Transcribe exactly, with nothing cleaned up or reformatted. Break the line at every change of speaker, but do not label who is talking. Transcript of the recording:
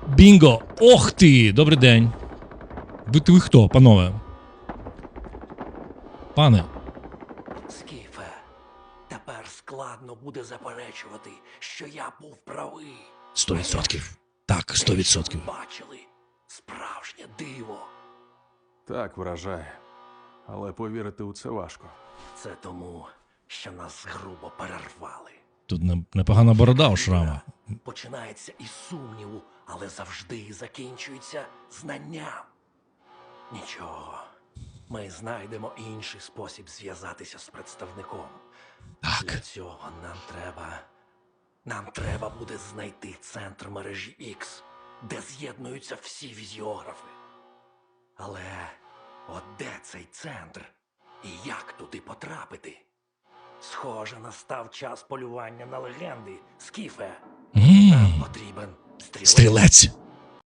Бінго! Ох ти! Добрий день. Ви, ви хто, панове? Пане.
Скіфе, тепер складно буде заперечувати, що я був правий.
Сто відсотків. Так, сто відсотків.
Бачили? Справжнє диво.
Так, вражає. Але повірити у це важко.
Це тому, що нас грубо перервали.
Тут не- непогана борода у шрама.
Починається із сумніву, але завжди закінчується знанням. Нічого. Ми знайдемо інший спосіб зв'язатися з представником. Для
Так.
цього нам треба... Нам треба буде знайти центр мережі X, де з'єднуються всі візіографи. Але от де цей центр? І як туди потрапити? Схоже, настав час полювання на легенди, Скіфе.
М,
Нам потрібен стрілець.
Стрілець.